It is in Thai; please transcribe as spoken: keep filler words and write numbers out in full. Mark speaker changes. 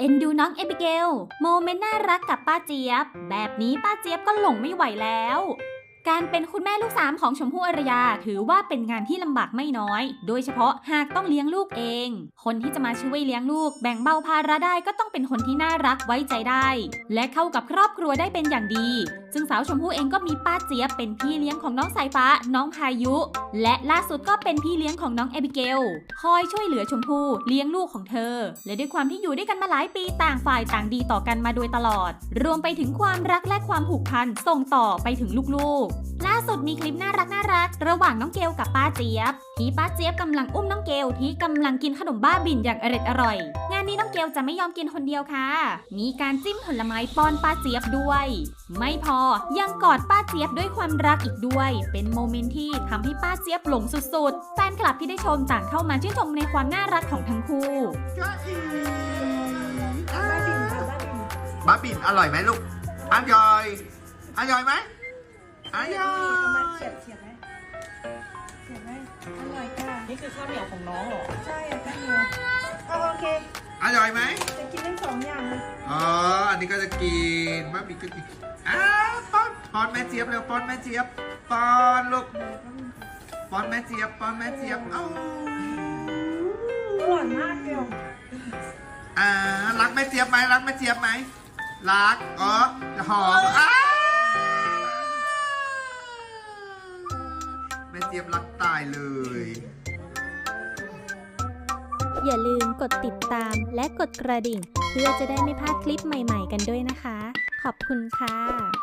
Speaker 1: อ็นดูน้องเอบิเกลโมเมนต์น่ารักกับป้าเจี๊ยบแบบนี้ป้าเจี๊ยบก็หลงไม่ไหวแล้วการเป็นคุณแม่ลูกสามของชมพู่อารยาถือว่าเป็นงานที่ลำบากไม่น้อยโดยเฉพาะหากต้องเลี้ยงลูกเองคนที่จะมาช่วยเลี้ยงลูกแบ่งเบาภาระได้ก็ต้องเป็นคนที่น่ารักไว้ใจได้และเข้ากับครอบครัวได้เป็นอย่างดีซึ่งสาวชมพู่เองก็มีป้าเจี๊ยบเป็นพี่เลี้ยงของน้องสายฟ้าน้องพายุและล่าสุดก็เป็นพี่เลี้ยงของน้องเอบิเกลคอยช่วยเหลือชมพู่เลี้ยงลูกของเธอและด้วยความที่อยู่ด้วยกันมาหลายปีต่างฝ่ายต่างดีต่อกันมาโดยตลอดรวมไปถึงความรักและความผูกพันส่งต่อไปถึงลูกๆล่าสุดมีคลิปน่ารักน่ารักระหว่างน้องเกลกับป้าเจี๊ยบที่ป้าเจี๊ยบกำลังอุ้มน้องเกลที่กำลังกินขนมบ้าบิ่นอย่างอร่อยอร่อยงานนี้น้องเกลจะไม่ยอมกินคนเดียวค่ะมีการจิ้มผลไม้ป้อนป้าเจี๊ยบด้วยไม่พอยังกอดป้าเจี๊ยบด้วยความรักอีกด้วยเป็นโมเมนต์ที่ทำให้ป้าเจี๊ยบหลงสุดๆแฟนคลับที่ได้ชมต่างเข้ามาชื่นชมในความน่ารักของทั้งคู่
Speaker 2: บ้าบิ่นอร่อยไหมลูกอร่อยอร่อยไหมอร่อย
Speaker 3: เฉียบเฉียบไหมเฉียบไหมอร่อยค่ะ
Speaker 4: นี่คือข้าวเหนียวของน้องเหรอ
Speaker 3: ใช่ข้าวเหนียวเอาโอเค
Speaker 2: อร่อยไหม
Speaker 3: จะกินทั้งสองอย่างเลย
Speaker 2: อ๋ออันนี้ก็จะกินบ้าบิ่นก็กินอ้าวป้อนป้อนแม่เจี๊ยบเร็วป้อนแม่เจี๊ยบป้อนลูกป้อนแม่เจี๊ยบป้อนแม่เจี๊ยบเอ้า
Speaker 3: อร่อยมากเดียว
Speaker 2: อ่ารักแม่เจี๊ยบไหมรักแม่เจี๊ยบไหมรักอ๋อหอมอ้าแม่เจี๊ยบรักตายเลย
Speaker 1: อย่าลืมกดติดตามและกดกระดิ่งเพื่อจะได้ไม่พลาดคลิปใหม่ๆกันด้วยนะคะขอบคุณค่ะ